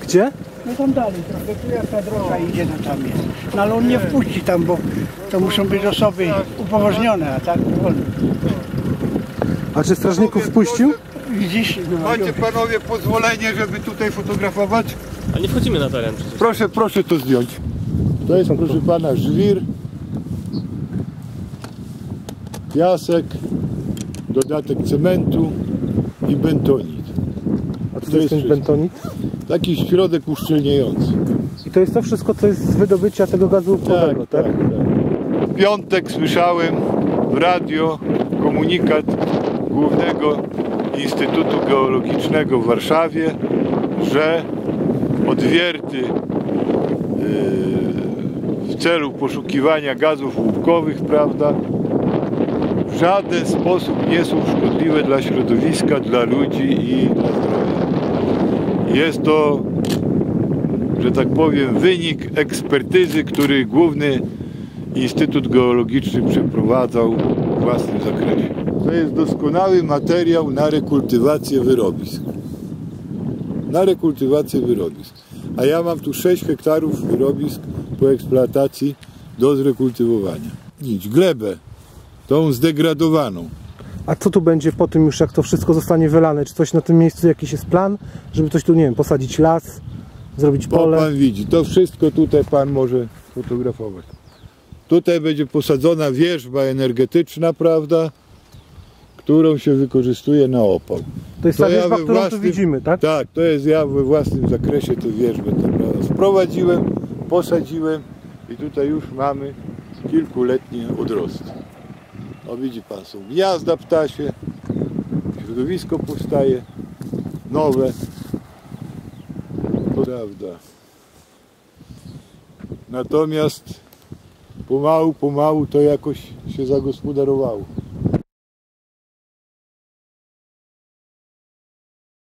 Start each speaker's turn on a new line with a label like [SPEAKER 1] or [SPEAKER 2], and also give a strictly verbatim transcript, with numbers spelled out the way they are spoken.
[SPEAKER 1] Gdzie?
[SPEAKER 2] No tam dalej trochę, tu jak ta droga idzie, no tam jest. No ale on nie wpuści tam, bo to muszą być osoby upoważnione, a tak wolno.
[SPEAKER 1] A czy strażników wpuścił?
[SPEAKER 2] Widzisz? No,
[SPEAKER 3] Macie panowie pozwolenie, żeby tutaj fotografować?
[SPEAKER 4] A nie wchodzimy na teren przecież.
[SPEAKER 3] Proszę, proszę to zdjąć. To jest, proszę pana, żwir, piasek, dodatek cementu i bentonit.
[SPEAKER 1] A co to jest ten bentonit?
[SPEAKER 3] Taki środek uszczelniający.
[SPEAKER 1] I to jest to wszystko, co jest z wydobycia tego gazu łupkowego, tak?
[SPEAKER 3] tak, tak. W piątek słyszałem w radio komunikat Głównego Instytutu Geologicznego w Warszawie, że odwierty w celu poszukiwania gazów łupkowych, prawda, w żaden sposób nie są szkodliwe dla środowiska, dla ludzi i dla zdrowia. Jest to, że tak powiem, wynik ekspertyzy, który Główny Instytut Geologiczny przeprowadzał w własnym zakresie. To jest doskonały materiał na rekultywację wyrobisk. Na rekultywację wyrobisk. A ja mam tu sześć hektarów wyrobisk po eksploatacji do zrekultywowania. Nic, glebę, tą zdegradowaną.
[SPEAKER 1] A co tu będzie po tym już, jak to wszystko zostanie wylane? Czy coś na tym miejscu, jakiś jest plan? Żeby coś tu, nie wiem, posadzić las, zrobić pole?
[SPEAKER 3] Bo pan widzi, to wszystko tutaj pan może fotografować. Tutaj będzie posadzona wierzba energetyczna, prawda, którą się wykorzystuje na opał.
[SPEAKER 1] To jest
[SPEAKER 3] To
[SPEAKER 1] ta
[SPEAKER 3] ja
[SPEAKER 1] wierzba,
[SPEAKER 3] we
[SPEAKER 1] którą
[SPEAKER 3] własnym,
[SPEAKER 1] tu widzimy, tak?
[SPEAKER 3] Tak, to jest ja we własnym zakresie tę wierzbę tam, prawda, sprowadziłem, posadziłem i tutaj już mamy kilkuletnie odrosty. O, widzi pan, są gniazda ptasie, środowisko powstaje, nowe, to prawda. Natomiast pomału, pomału to jakoś się zagospodarowało.